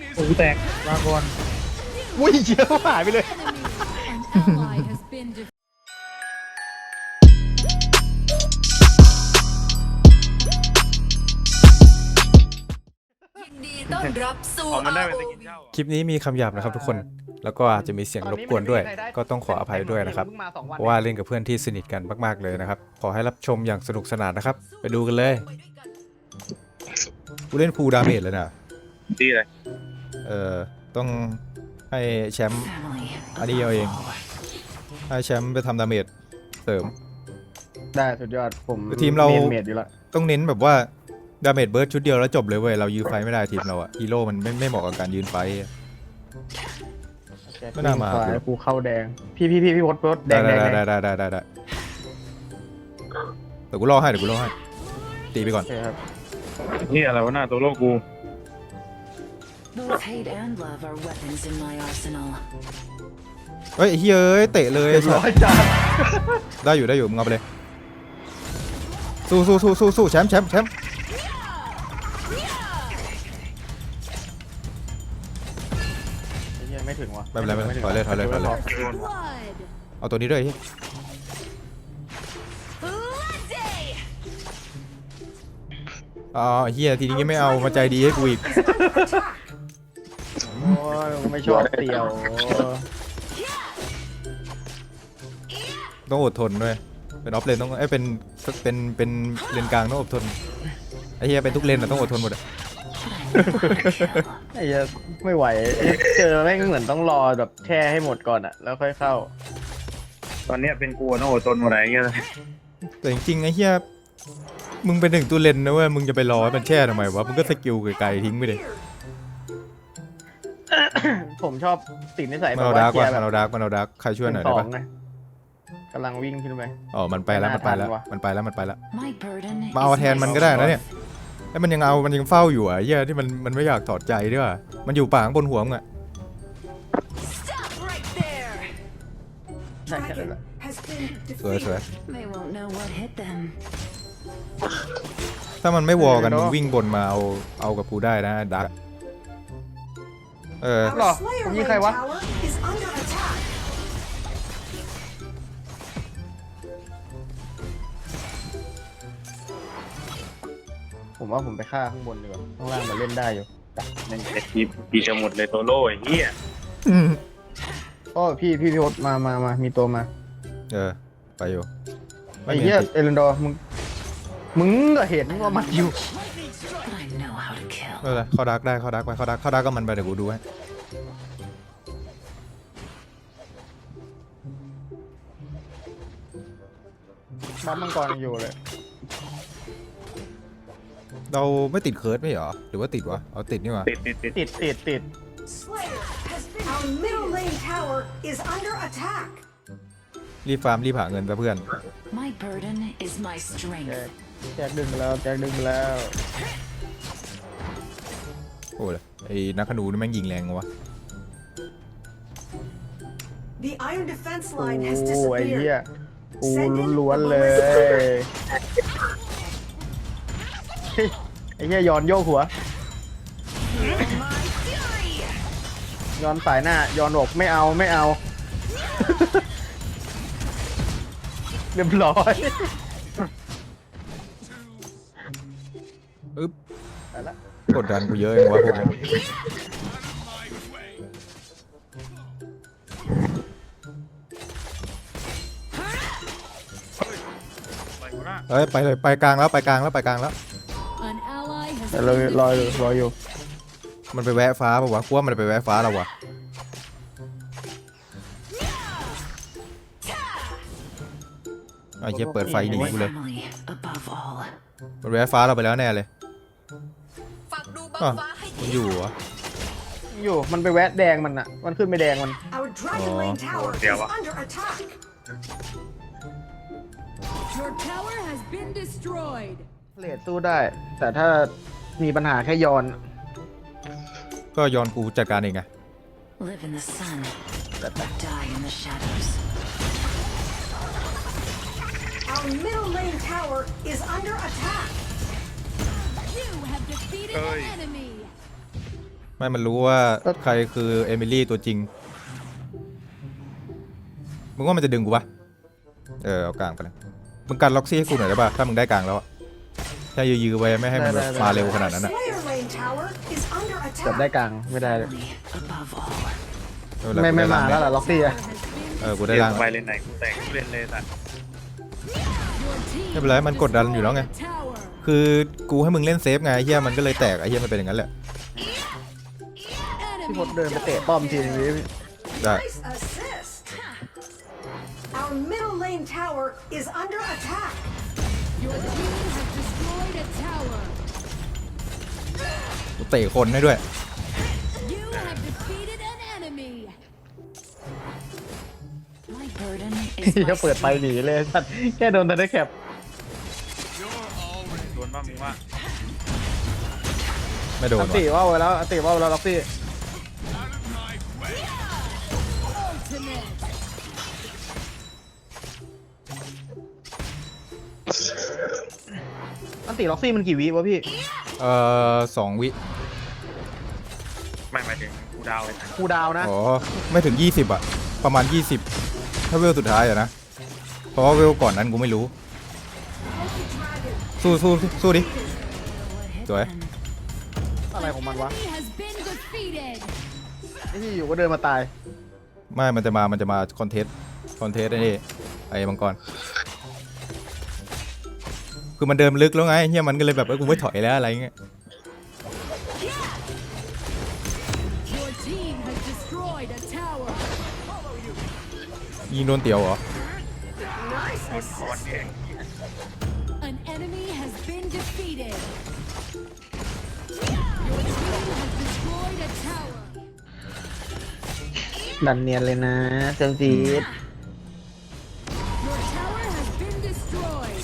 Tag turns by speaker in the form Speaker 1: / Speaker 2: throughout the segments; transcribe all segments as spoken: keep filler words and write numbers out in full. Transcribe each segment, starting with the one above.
Speaker 1: โอ้แตกลาก่อน
Speaker 2: อุ้ยเชี่ยหายไปเลย
Speaker 3: คลิปนี้มีคำหยาบนะครับทุกคนแล้วก็อาจจะมีเสียงรบกวนด้วยก็ต้องขออภัยด้วยนะครับเพราะว่าเล่นกับเพื่อนที่สนิทกันมากๆเลยนะครับขอให้รับชมอย่างสนุกสนานนะครับไปดูกันเลยกูเล่นฟูลดาเมจเลยนะ
Speaker 1: ดีเลย
Speaker 3: เออต้องให้แชมป์อันนี้เอาเองให้แชมป์ไปทำดาเมจเสริม
Speaker 2: ได้สุดยอดผม
Speaker 3: ทีมเรา
Speaker 2: เมจอยู่แล้ว
Speaker 3: ต้องเน้นแบบว่าดาเมจเบิร์ดชุดเดียวแล้วจบเลยเว้ยเรายืนไฟไม่ได้ทีมเราอะฮีโร่มันไม่ไม่เหมาะกับการยืนไฟไม่น่ามา
Speaker 2: กูเข้าแดงพี่พี่พี่พี่พดพดแดงแดง
Speaker 3: ได้ได้ได้ได้ได้เดี๋ยวกูรอให้เดี๋ยวกูรอให้ตีไปก่อน
Speaker 1: นี่อะไรวะหน้าตัวโลกกู
Speaker 3: เฮ้ยเฮ้ยเตะเลย
Speaker 2: ร้อยจาน
Speaker 3: ได้อยู่ได้อยู่มึงเอาไปเลยสู้สู้สู้สู้สู้แชมป์แชมป์แชมป์
Speaker 2: ไม่ถึงวะ
Speaker 3: ไม่เป็นไรไม่เป็นไรถอยเลยถอยเลยถอยเลยเอาตัวนี้ด้วยอ๋อเฮียทีนี้ไม่เอามาใจดีให้กูอีก
Speaker 2: โอ้ยไม่ชอบเตี่ยว
Speaker 3: ต้องอดทนด้วยเป็นออฟเลนต้องไอ้เป็นเป็นเป็นเลนกลางต้องอดทนไอ้เฮียเป็นทุกเลนอะต้องอดทนหมดอะ
Speaker 2: ไอ้เหี้ยไม่ไหวเจอแม่งเหมือนต้องรอแบบแช่ให้หมดก่อนอะแล้วค่อยเข้า
Speaker 1: ตอนนี้เป็นกูต้องอดทนหมดอะไรเงี้ย
Speaker 3: แต่จริงๆไอ้เฮียมึงเป็นหนึ่งตัวเลนนะเว้ยมึงจะไปรอให้มันแช่ทำไมวะมึงก็สกิลไกลๆทิ้งไปเลย
Speaker 2: ผมชอบติดนิสัย
Speaker 3: มันเอาดาร์กว่ะมันเอาดาร์กมันเอาดาร์กใครช่วยหน่อยได้ปะ
Speaker 2: กำลังวิ่งขึ้นไป
Speaker 3: อ๋อมันไปแล้วมันไปแล้วมันไปแล้วมันไปแล้วมาเอาแทนมันก็ได้นะเนี่ยไอ้มันยังเอามันยังเฝ้าอยู่อ่ะเหี้ยที่มันมันไม่อยากถอดใจด้วยว่ะมันอยู่ป่าข้างบนหัวมึงอ่ะสวยสวยถ้ามันไม่วอกันมึงวิ่งบนมาเอาเอากับกูได้นะดักเออ
Speaker 2: หรอผมยิงใครวะผมว่าผมไปฆ่าข้างบนดีกว่าข้างล่างมันเล่นได้อยู่
Speaker 1: นั่นจะทีปีจะหมดเลยตัวโล่ไอ้เหี้ย
Speaker 2: โอ้พี่พี่พี่พดมามามามีตัวมา
Speaker 3: เออไปอยู่
Speaker 2: ไอ้เหี้ยเอเลนดอร์มึงมึงก็เห็นว่ามันอยู่
Speaker 3: เออเขาดักได้เขาดักไปเขาดักเขาดักก็มันไปเดี๋ยวกูดูให้
Speaker 2: บัฟมังกรยังอยู่เลย
Speaker 3: เราไม่ติดเคิร์ดไม่เหรอหรือว่าติดวะเอาติดนี่วะ
Speaker 1: ติดติดติด
Speaker 2: ติดติดติด
Speaker 3: รีบฟาร์มรีบหาเงินซะเพื่อน
Speaker 2: แจกดึงแล้วแจกดึงแล้ว
Speaker 3: โอ้ยไอ้นักขนูนี่แม่งยิงแรงวะ
Speaker 2: โอ้ไอ้เหี้ยกูล้วนๆเลยไอ้เหี้ยย้อนโยกหัวย้อนสายหน้าย้อนอกไม่เอาไม่เอาเรียบร้อย
Speaker 3: อึ๊บกดดันกูเยอะเองวะพวกนี้เฮ้ยไปเลยไปกลางแล้วไปกลางแล้วไปกลางแล้ว
Speaker 2: เรารออยู่รออยู่
Speaker 3: มันไปแวะฟ้าป่าวะกูว่ามันไปแวะฟ้าแล้ววะไอ้เหี้ยเปิดไฟหนีกูเลยมันแวะฟ้าเราไปแล้วแน่เลยอ๋อมันอยู่เหรอ
Speaker 2: อยู่มันไปแวะแดงมันอะมันขึ้นไปแดงมัน
Speaker 1: เดี๋ยววะ
Speaker 2: เลดสู้ได้แต่ถ้ามีปัญหาแค่ย้อน
Speaker 3: ก็ย้อนกูจัดการเองไง
Speaker 1: เฮ้ย
Speaker 3: ไม่มันรู้ว่าใครคือเอมิลี่ตัวจริงมึงว่ามันจะดึงกูปะเออเอากลางไปเลยมึงกันล็อกซี่ให้กูหน่อยได้ปะถ้ามึงได้กลางแล้วอะแค่ยื้อๆไว้ไม่ให้มันแบบมาเร็วขนาดนั้นอะ
Speaker 4: Slayer Lane Tower is under
Speaker 2: จับ
Speaker 4: attack.
Speaker 2: ได้กลางไม่ได้เลย
Speaker 4: Above all.
Speaker 3: ไม่
Speaker 2: ไม่
Speaker 3: เป็นร
Speaker 2: ไม่มา
Speaker 3: กูด้
Speaker 2: แล้ว
Speaker 3: ง
Speaker 2: ล่ะล็อกซี่อะ
Speaker 3: เออกู
Speaker 1: ได้
Speaker 3: ได้
Speaker 1: ล่า
Speaker 3: ล่าง ง
Speaker 1: ไปเลนไหนกูแตกกูเล่นเลยสัตว์
Speaker 3: ไม่เป็นไรมันกดดันอยู่แล้วไงคือกูให้มึงเล่นเซฟไงไอ้เฮียมันก็เลยแตกไอ้เฮียมันเป็นอย่างนั้นแหละ
Speaker 2: พี่พดเดินไปเตะป้อมทีนึงดิ
Speaker 3: ได้
Speaker 4: Nice assist. Our middle lane tower is under attack.
Speaker 5: Your team has destroyed a tower.
Speaker 3: กูเตะคนให้ด้วย
Speaker 5: You have defeated an enemy.
Speaker 4: My burden
Speaker 2: ที่เขาเปิดไฟหนีเลยสัตว์แค่โดนทันได้แคป
Speaker 1: โดนบ้างมึงว่า
Speaker 3: ไม่โดน
Speaker 2: อัน
Speaker 3: วะ
Speaker 2: ติว่าวไว้แล้วอันติว่าวไว้แล้วล็อกซี่
Speaker 5: Ultimate.
Speaker 2: อันติล็อกซี่มันกี่วิวะพี่
Speaker 3: เอ่อสองวิ
Speaker 1: ไม่หมายถึงกูดาวเลย
Speaker 2: คูลดาวน์นะ
Speaker 3: อ๋อไม่ถึงยี่สิบอะประมาณยี่สิบถ้าเวลสุดท้ายอะนะเพราะว่าเวลก่อนนั้นกูไม่รู้สู้สู้สู้ดิสวย
Speaker 2: อะไรของมันวะ
Speaker 5: Enemy has been defeated.
Speaker 2: ไอ้ที่อยู่ก็เดินมาตาย
Speaker 3: ไม่มันจะมามันจะมาคอนเทสต์คอนเทสต์ไอ้นี่ไอ้มังกรคือมันเดิมลึกแล้วไงเฮียมันก็เลยแบบเอ้ยกูไม่ถอยแล้วอะไรเงี้ย
Speaker 5: Your team has destroyed a tower.
Speaker 3: ยิงโดนเตียวเหรอ
Speaker 4: nice assist.
Speaker 5: An enemy has been defeated. Your team has destroyed a tower.
Speaker 2: ดันเนียนเลยนะเซมซีด
Speaker 5: Your tower has been destroyed.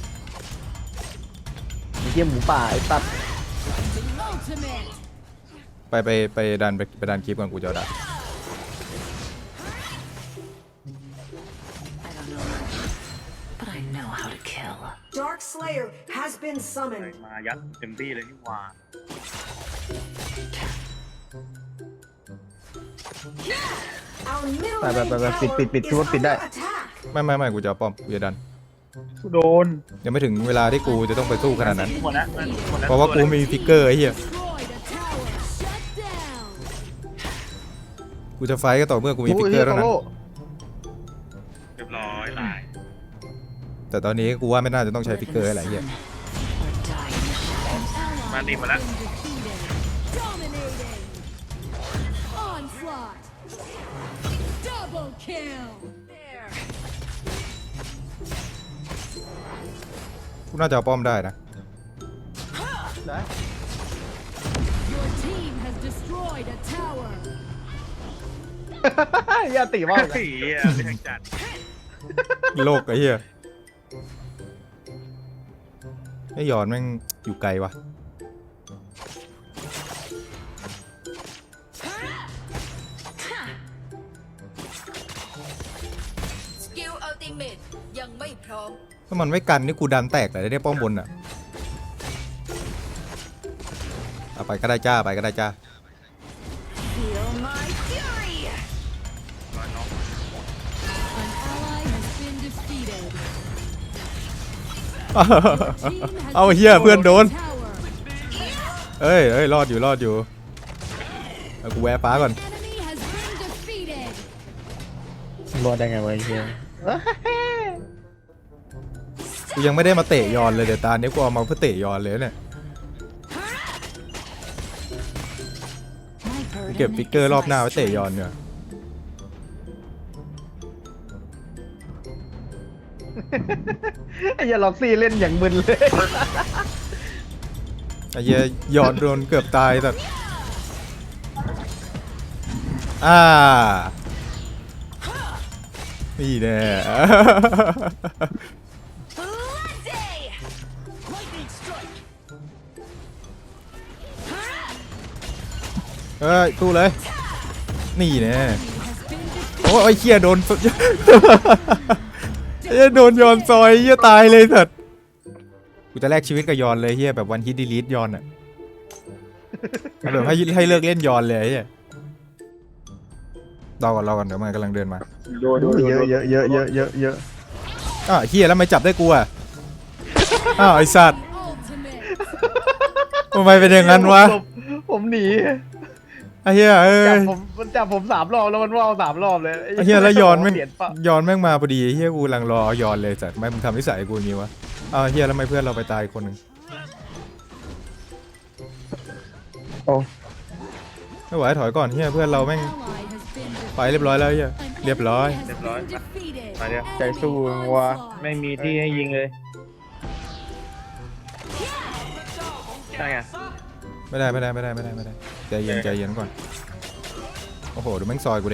Speaker 2: เยี่ยมหมูป่าไอ้ตัด
Speaker 5: Ultimate.
Speaker 3: ไปไปไปดันไปไปดันคลิปก่อนกูจะเอาดัน
Speaker 4: I don't know much, but I know how to kill. Dark Slayer has been summoned.
Speaker 1: มายัดเต็มที่เลยนี่หว่า
Speaker 4: Our middle
Speaker 2: ไปไป
Speaker 4: lane
Speaker 2: ไปไป
Speaker 4: tower
Speaker 2: ปิดปิดปิด
Speaker 4: is
Speaker 2: ทุบปิดได้
Speaker 4: under attack.
Speaker 3: ไม่ไม่ไม่กูจะเอาป้อมกูจะดัน
Speaker 1: กูโดน
Speaker 3: ยังไม่ถึงเวลาที่กูจะต้องไปสู้ขนาดนั้น
Speaker 1: หมดแล้วหมดแล้ว
Speaker 3: เพราะว่ากูมีฟิกเกอร์ไอ้เหี้ย
Speaker 5: Destroyed a tower. Shut down.
Speaker 3: กูจะไฟต์ก็ต่อเมื่อกูมีฟิกเกอร์เท่านั้น
Speaker 1: เรียบร้อยตาย
Speaker 3: แต่ตอนนี้กูว่าไม่น่าจะต้องใช้ฟิกเกอร์อะไรเหี้ย
Speaker 4: Or die in the shadows.
Speaker 1: มาตีมาแล้ว
Speaker 5: Been defeated. Dominating. Onslaught. Double kill.
Speaker 3: กูน่าจะเอาป้อมได้นะ
Speaker 2: ได้
Speaker 5: Your team has destroyed a tower.
Speaker 2: อย่าติว่าว
Speaker 1: เฮ้ยไม่ทันจัด
Speaker 3: โลกไอ้เหี้ยไอ้หยอนแม่งอยู่ไกลวะ
Speaker 6: สกิลอัลติเมทยังไม่พร้อม
Speaker 3: ถ้ามันไม่กันนี่กูดันแตกเลยได้ป้อมบนอ่ะเอาไปก็ได้จ้าไปก็ได้จ้า
Speaker 4: Feel my fury.
Speaker 1: ร้อยน้อง
Speaker 5: An ally has been defeated.
Speaker 3: เอาเฮียเพื่อนโดน
Speaker 5: Tower.
Speaker 3: เอ้ยเอ้ยรอดอยู่รอดอยู่เอากูแวะฟ้าก่อน
Speaker 5: Enemy has been defeated.
Speaker 2: รอดได้ไงวะไอ้เฮีย
Speaker 3: กูยังไม่ได้มาเตะยอนเลยเดี๋ยวตาเนี้ยกูเอามาเพื่อเตะยอนเลยเนี่ย
Speaker 4: My
Speaker 3: กู
Speaker 4: burden
Speaker 3: เก็บฟิกเกอร์รอบหน้าไว้เตะยอนเนี่ย
Speaker 2: ไอ้เหี้ยล็อกซี่เล่นอย่างมึนเลย
Speaker 3: ไอ้เหี้ยยอนโดนเกือบตายแต่อ่านี่แน่ เฮ้ยตู้เลย นี่แน่
Speaker 5: Has been defeated.
Speaker 3: โอ้ยไอ้เหี้ยโดน ไอ้เหี้ยโดนยอนซอยเหี้ยตายเลยสัตว์กูจะแลกชีวิตกับยอนเลยเหี้ยแบบวันฮิตดีลีทยอนอ่ะเอาแบบให้ให้เลิกเล่นยอนเลยไอ้เหี้ยรอก่อนรอก่อนเดี๋ยวมันกำลังเดินมา
Speaker 1: โดนโดนโดน
Speaker 2: เยอะเยอะเยอะเยอะเยอะเยอะ
Speaker 3: อ้าวเฮียแล้วไม่จับได้กูอ่ะอ้าวไอสัตว์
Speaker 5: Ultimate.
Speaker 3: ทำไมเป็นอย่างนั้นวะ
Speaker 2: ผมผมหนี
Speaker 3: ไอ้เฮียเอ้
Speaker 2: จับ
Speaker 3: ย
Speaker 2: ผมมันจับผมสามรอบแล้วมันว่าวสามรอบเลย
Speaker 3: ไอ้เฮียแล้วยอนแม่ง
Speaker 2: เปลี่ยนปะ
Speaker 3: ยอนแม่งมาพอดีไอ้เฮียกูกำลังรอยอนเลยสัตว์ไม่มึงทำนิสัยกูอย่างงี้วะอ้าวเฮียแล้วทำไมเพื่อนเราไปตายอีกคนหนึ่ง
Speaker 2: โอ้
Speaker 3: ไม่ไหวถอยก่อนเฮียเพื่อนเราแม่ง
Speaker 5: Ally has been
Speaker 3: ไปเรียบร้อยแล้วเฮีย
Speaker 5: defeated.
Speaker 3: เรียบร้อย
Speaker 5: An enemy has been defeated.
Speaker 1: ไปเดี๋ยว
Speaker 2: ใจสู้ว่ะ
Speaker 1: ไม่มีที่ให้ยิงเลยใช่ไง
Speaker 3: ไม่ได้ไม่ได้ไม่ได้ไม่ได้ไม่ได้ใจเย็นใจเย็นก่อนโอ้โหดูแม่งซอยกูดิ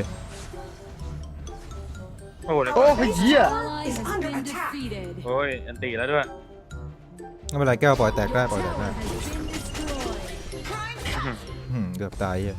Speaker 1: โอ้โหเดี๋ยว
Speaker 2: โอ้
Speaker 1: ก่อน
Speaker 2: ยเหี้ย
Speaker 5: Ally has been defeated.
Speaker 1: โอ้ยอันตีแล้วด้วย
Speaker 3: ไม่เป็นไรแก้วปล่อยแตกได้ปล่อยแตก
Speaker 5: Tower
Speaker 3: ได้
Speaker 5: has been destroyed.
Speaker 3: อืมเกือบตายเฮีย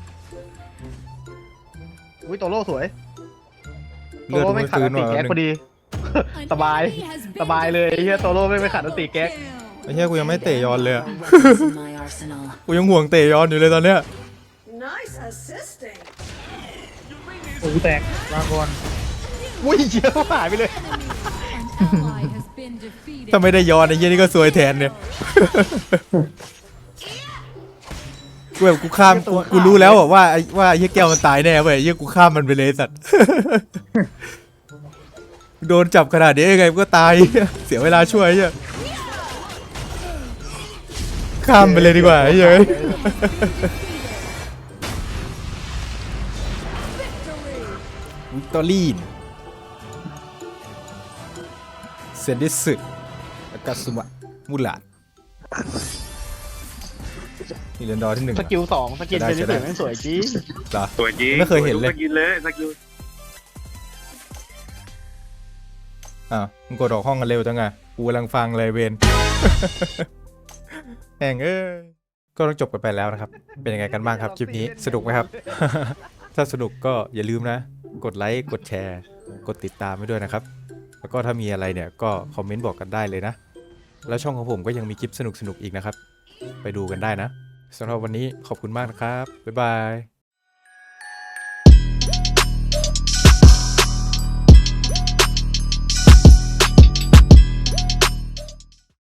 Speaker 2: อุ้ยโตโร่สวยโต
Speaker 3: เลือด
Speaker 2: โร่
Speaker 3: กู
Speaker 2: ไม่
Speaker 3: ไม่
Speaker 2: ขัด
Speaker 3: ฟื้
Speaker 2: อั
Speaker 3: น
Speaker 2: นติ
Speaker 3: ว่ะ
Speaker 2: แก๊กพอดี
Speaker 5: An
Speaker 2: สบาย
Speaker 5: enemy has been
Speaker 2: สบายเลยไอ้เหี้ยโตโร่ไม่ไปขัดอันติแก๊ก
Speaker 5: down.
Speaker 3: ไอ้เฮียกูยังไม่เตะยอนเลยอะ
Speaker 4: Weapons in my arsenal.
Speaker 3: กูยังห่วงเตะยอนอยู่เลยตอนเนี้ย
Speaker 4: Nice assisting.
Speaker 1: โอ้ยแตกลาก่อน
Speaker 2: อุ้ยเหี้ยหายไปเลย
Speaker 5: An ally has been defeated.
Speaker 3: ถ้าไม่ได้ยอนไอ้เฮียนี่ก็ซวยแทนเนี่ย กูแบบกูข้ามกูกูรู้แล้วอะว่าไอ้ว่าไอ้เฮียแก้วมันตายแน่เว้ยไอ้เฮียกูข้ามมันไปเลยสัตว์ โดนจับขนาดนี้ยังไงมันก็ตาย เสียเวลาช่วยไอ้เฮียข้ามไปเลยดีกว่าไอ้เหี้ย วิกตอรีนเซนดิสึอากาสุมะมูลาดนี่เรนดอร์ที่หนึ่ง
Speaker 2: สกิลสองสกิลเป็นที่สวยแม่งสวยจริง
Speaker 3: เหรอ
Speaker 1: สวยจริง
Speaker 3: ไม่เคยเห็นเลย
Speaker 1: สกินเลยสกิล
Speaker 3: อ่ะมึงกดออกห้องกันเร็วจังไงกูกำลังฟังเลยเวน แห่งเอ้ยก็ต้องจบกันไปแล้วนะครับ เป็นยังไงกันบ้างครับคลิปนี้สนุกไหมครับ ถ้าสนุกก็อย่าลืมนะ กดไลค์กดแชร์ กดติดตามไว้ด้วยนะครับ แล้วก็ถ้ามีอะไรเนี่ยก็คอมเมนต์บอกกันได้เลยนะ แล้วช่องของผมก็ยังมีคลิปสนุกๆอีกนะครับ ไปดูกันได้นะสำหรับวันนี้ขอบคุณมากนะครับบ๊ายบาย